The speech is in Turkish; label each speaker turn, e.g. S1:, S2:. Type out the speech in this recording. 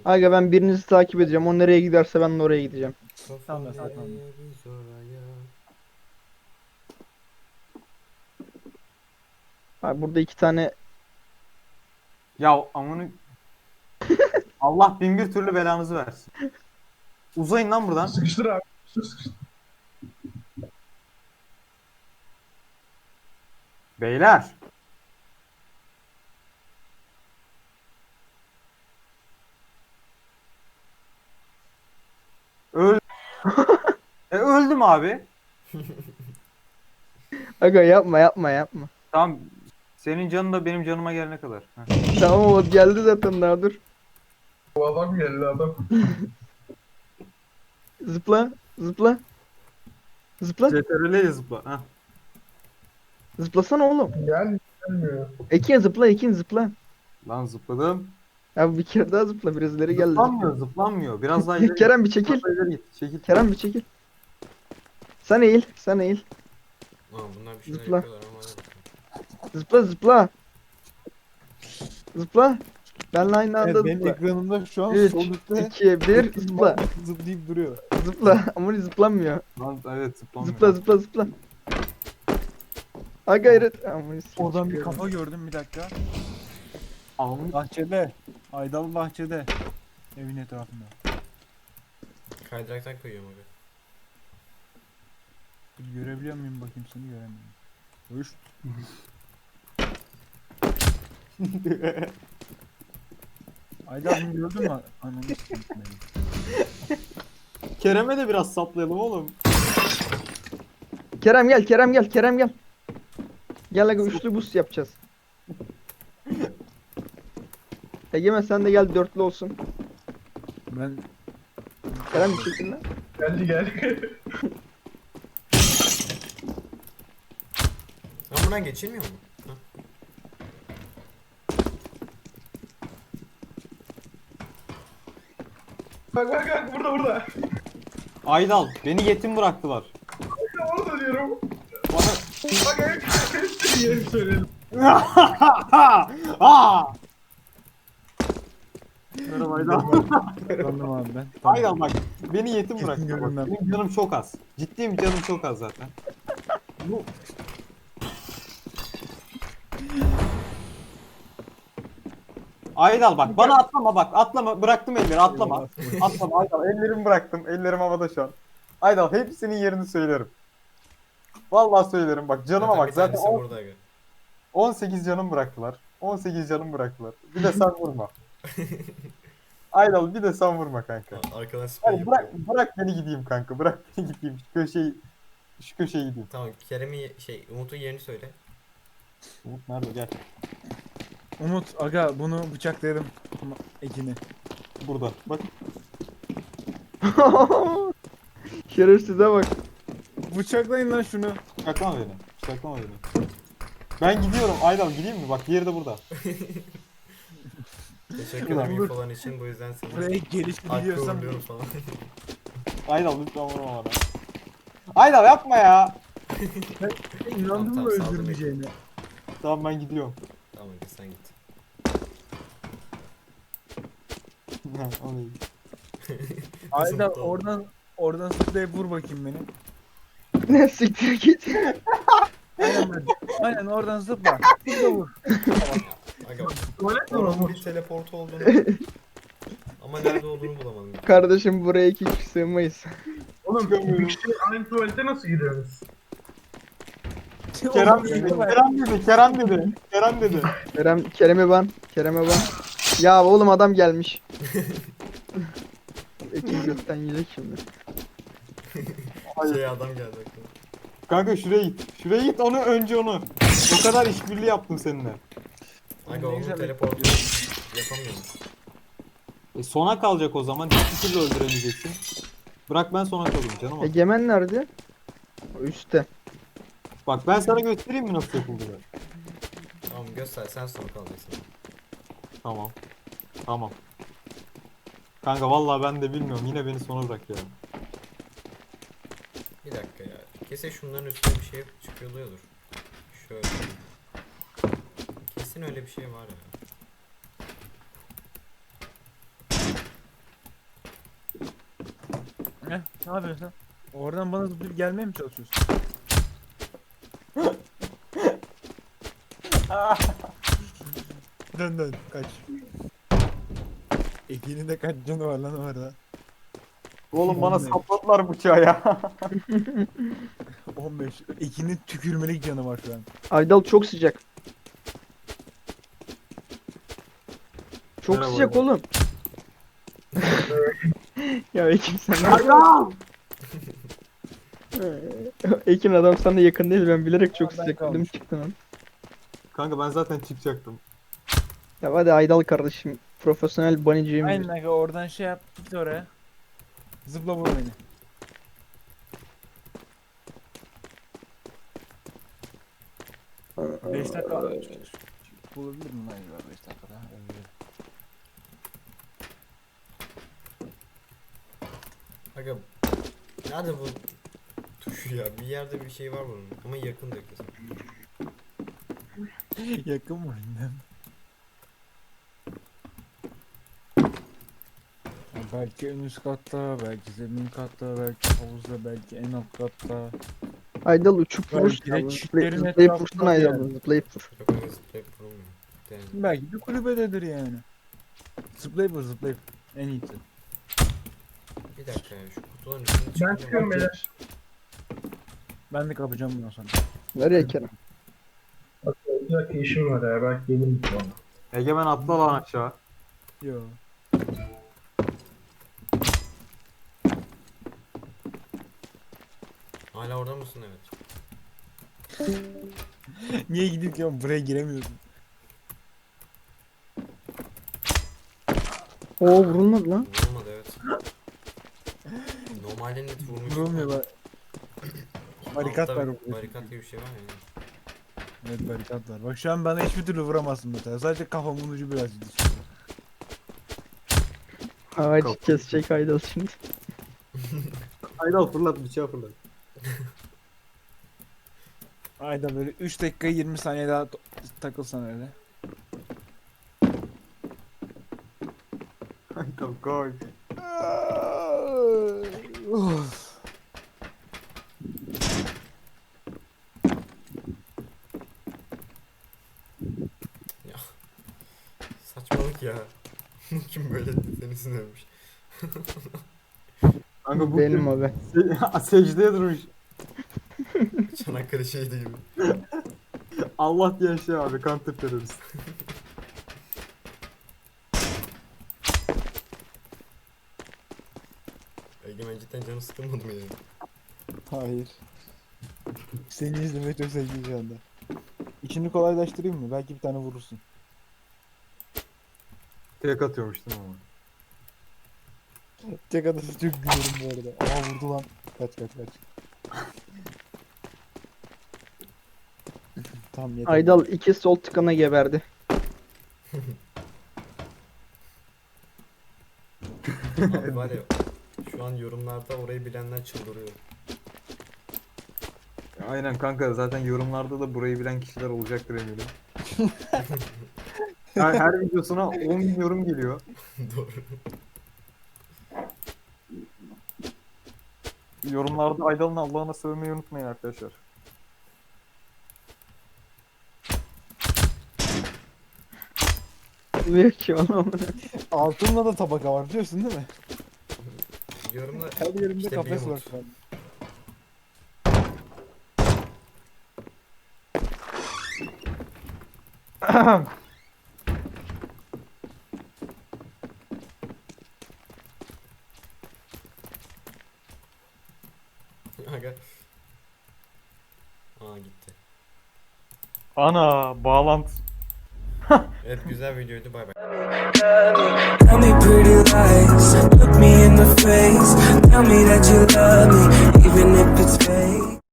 S1: Aga ben birinizi takip edeceğim. O nereye giderse ben de oraya gideceğim.
S2: Tamam,
S3: Kafa
S2: tamam.
S3: nereye biz oraya.
S1: Abi burada iki tane
S4: Ya amını Allah bin bir türlü belanızı versin. Uzayın lan buradan.
S2: Sıkıştır abi. Sıkıştır.
S4: Beyler. Öl. Öldüm abi.
S1: Aga yapma yapma yapma.
S4: Tamam. Senin canın da benim canıma gelene kadar. Heh.
S1: Tamam o geldi zaten daha dur.
S2: Bu adam geldi adam.
S1: Zıpla zıpla. Zıpla.
S4: CTRL'ye zıpla. Heh.
S1: Zıplasana oğlum.
S2: Gelmiyor.
S1: Ekin zıpla Ekin zıpla.
S4: Lan zıpladım.
S1: Ya bir kere daha zıpla birileri geldi.
S4: Zıplanmıyor, zıplanmıyor. Biraz daha ileri git.
S1: Kerem bir çekil.
S4: Biraz daha ileri git. Çekil.
S1: Kerem bir çekil. Sen eğil. Sen eğil.
S3: Lan bunlar bir şeyler
S1: Zıpla.
S3: yapıyorlar ama hadi bakalım.
S1: Zıpla zıpla. Zıpla. Benle aynı anda
S5: Evet, benim
S1: zıpla.
S5: ekranımda şu an
S1: 3,
S5: sol üstte
S1: 2, 1 zıpla.
S5: zıplayıp duruyor.
S1: Zıpla. Ama zıplamıyor.
S4: Lan evet zıplanmıyor.
S1: Zıpla zıpla zıpla. Ha gayret. Aman
S5: Oradan bir
S1: sikeyim.
S5: kafa gördüm, bir dakika.
S4: Amını
S5: Bahçede. Aydalı bahçede. Evin etrafında.
S3: Kaydıraktan koyuyorum abi.
S5: Görebiliyor muyum bakayım, seni göremiyorum. Üç. Aydalı'nı gördün mü? Ananı sikeyim beni.
S4: Kerem'e de biraz saplayalım oğlum.
S1: Kerem gel Kerem gel Kerem gel. Gel aga üçlü boost yapacağız. Egemen sen de gel dörtlü olsun.
S5: Ben
S1: Kerem bir şekilde.
S2: Geldi geldi.
S3: Lan buradan geçilmiyor mu? Ha.
S2: Bak bak bak burada burada.
S4: Aydal beni yetim bıraktılar.
S2: Orada diyorum.
S4: Bana
S2: Bak bak. Yerim söyledim.
S4: Aa! Merhaba Aydal.
S5: sandım abi ben. Tamam.
S4: Aydal bak beni yetim
S5: Kesin
S4: bıraktılar. Bak,
S5: görünmem.
S4: benim canım çok az. Ciddiyim canım çok az zaten. Bu Aydal bak bana atlama bak atlama bıraktım elleri atlama. Atlama Aydal ellerimi bıraktım ellerim havada şu an. Aydal hepsinin yerini söylerim. Vallahi söylerim bak canıma bak
S3: bir
S4: zaten
S3: tanesi burada aga.
S4: 18 canım bıraktılar. 18 canım bıraktılar. Bir de sen vurma. Aydal bir de sen vurma kanka.
S3: Arkadan spray
S4: Hadi
S3: yapıyor.
S4: bırak beni gideyim kanka. Bırak beni gideyim. Şu köşeye gideyim.
S3: Tamam Kerem'i Umut'un yerini söyle.
S4: Umut nerede? Gel.
S5: Umut aga bunu bıçaklayalım. Ekini.
S4: Burada. Bak.
S1: Şerefsize bak.
S5: Bıçaklayın lan şunu.
S4: Bıçaklama beni. Bıçaklama beni. Ben gidiyorum. Aydal gideyim mi? Bak yeri de burada.
S3: Teşekkür ederim infoların için. Bu yüzden seni
S5: Buraya geliş
S3: hakkı
S5: biliyorsam
S3: uğurluyorum falan.
S4: Aydal lütfen vurma bana. Aydal yapma ya.
S5: inandın
S3: Tamam,
S5: mı
S3: saldım
S5: öldürmeyeceğine?
S4: Tamam ben gidiyorum.
S3: Tamam hadi sen git.
S4: O değil.
S5: Ayda
S3: Tamam.
S5: oradan zıplayıp vur bakayım beni.
S1: Ne siktir git.
S5: Aynen oradan zıpla. Zıpla vur.
S3: Aga
S2: Tuvalet mi
S3: oranın
S2: var?
S3: bir teleport olduğunu ama nerede olduğunu bulamadım.
S1: Kardeşim buraya iki kişi sığmayız.
S2: Oğlum bir kişi aynı tuvalete nasıl giriyoruz?
S4: Kerem dedi. Kerem dedi. Kerem dedi. Kerem dedi.
S1: Kerem'e ban. Kerem'e ban. Ya oğlum adam gelmiş. Ekin gökten yiyecek şimdi.
S4: Hayır.
S3: Adam geldi aklıma.
S4: Kanka şuraya git. Şuraya git onu önce onu. O kadar işbirliği yaptım seninle.
S3: Aga
S5: Ne
S3: onun
S5: güzel
S3: teleportu yapamıyorum.
S4: Sona kalacak o zaman. Hiçbir türlü öldüremeyeceksin. Bırak ben sona kalayım canım.
S1: Egemen nerede? O üstte.
S4: Bak ben sana göstereyim mi nasıl yapıldığını.
S3: Tamam göster sen sonra kalacaksın.
S4: Tamam. Tamam. Kanka vallahi ben de bilmiyorum. Yine beni sona bırak ya.
S3: Bir dakika ya. Kesin şunların üstüne bir şey çıkıyordur. Şöyle. Kesin öyle bir şey var ya.
S5: Ne yapıyorsun sen? Oradan bana zıplayıp gelmeye mi çalışıyorsun? Dön dön kaç. Ekin'in de kaç canı var lan orada.
S4: Oğlum bana sapladılar bıçağı ya.
S5: 15. Ekin'in tükürmelik canı var şu an.
S1: Aydal çok sıcak. Çok
S4: Merhaba
S1: sıcak
S4: Aydal.
S1: oğlum. Ya Ekin sen
S4: Aydal!
S1: Ekin adam sana yakın değil, ben bilerek çok
S5: Ben
S1: sıcak dedim
S5: kalmış.
S1: çıktın lan.
S4: Kanka ben zaten çıkacaktım.
S1: Ya hadi Aydal kardeşim, profesyonel bunny'ciyim.
S5: Aynen aga oradan şey yap git oraya. Zıpla vur beni. Beş dakika bulabilir miyim lan acaba 5 dakikada? Evet.
S3: Aga nerede bu tuşu ya? Bir yerde bir şey var bunun ama yakın da kesin.
S5: Yakın mı bilmem. Ya belki en üst katta, belki zemin katta, belki havuzda, belki en alt katta.
S1: Aydal uçup
S5: Belki
S1: vurursun
S5: de
S1: abi.
S5: çitlerin
S1: Zıplayıp
S5: etrafında
S1: vursun Aydal,
S5: yani.
S1: zıplayıp vur.
S3: Yok aga zıplayıp vurulmuyor. Yani.
S5: Belki bir kulübededir yani. Zıplayıp vur zıplayıp. En iyisi.
S3: Bir dakika ya şu kutuların üstünde
S2: Ben
S3: çıkacağım.
S2: çıkıyorum beyler.
S5: Ben de kapacağım bundan sonra.
S1: Nereye Kerem?
S2: Bak bir dakika işim var ya. Belki gelirim sonra.
S4: Egemen atla lan aşağı.
S5: Yo.
S3: Hala orada mısın? Evet.
S5: Niye gidip ya buraya giremiyorsun?
S1: Oo, vurulmadı lan.
S3: Vurulmadı evet. Normalde net vurmuş.
S5: Vurulmuyor bak. Barikat
S3: Altta
S5: var
S3: bir
S5: burada.
S3: Barikat gibi bir şey var ya.
S5: Evet barikat var. Bak şu an bana hiçbir türlü vuramazsın mesela. Sadece kafamın ucu biraz düşüyor.
S1: Ağaç kesecek Aydal şimdi.
S4: Aydal fırlat bıçağı fırlat.
S5: Ayda böyle 3 dakika 20 saniye daha takılsan öyle.
S4: Aydal koy.
S5: Uf.
S3: Saçmalık ya. Kim böyle seni sinirmiş.
S4: Kanka bu
S1: Benim abi.
S4: secdeye durmuş.
S3: Çanakkale şeydi gibi.
S4: Allah diyen şey abi, counter terörist.
S3: Egemen cidden canı sıkılmadı mı yani?
S5: Hayır. Seni izlemeyi çok sevdim şu anda. İşini kolaylaştırayım mı? Belki bir tane vurursun.
S4: Tek atıyormuş değil mi ama?
S5: Tek adası çok gülüyorum bu arada. Aa vurdu lan. Kaç kaç kaç. Tamam yeter.
S1: Aydal iki sol tıkana geberdi.
S3: Abi var ya şu an yorumlarda orayı bilenler çıldırıyor.
S4: Aynen kanka, zaten yorumlarda da burayı bilen kişiler olacaktır eminim. Her videosuna 10 bin yorum geliyor.
S3: Doğru.
S4: Yorumlarda Aydal'ın Allah'ına sövmeyi unutmayın arkadaşlar.
S1: Vuruyor ki onu.
S5: Altınla da tabaka var biliyorsun değil mi?
S3: Yorumda
S5: Her yerimde
S3: İşte
S5: kafes
S3: bir
S5: var
S3: umut.
S5: şu an.
S3: Aga. Aa gitti.
S4: Ana bağlantı.
S3: Evet güzel videoydu bay bay.
S6: Tell me pretty lies, look me in the face. Tell me that you love me, even if it's fake.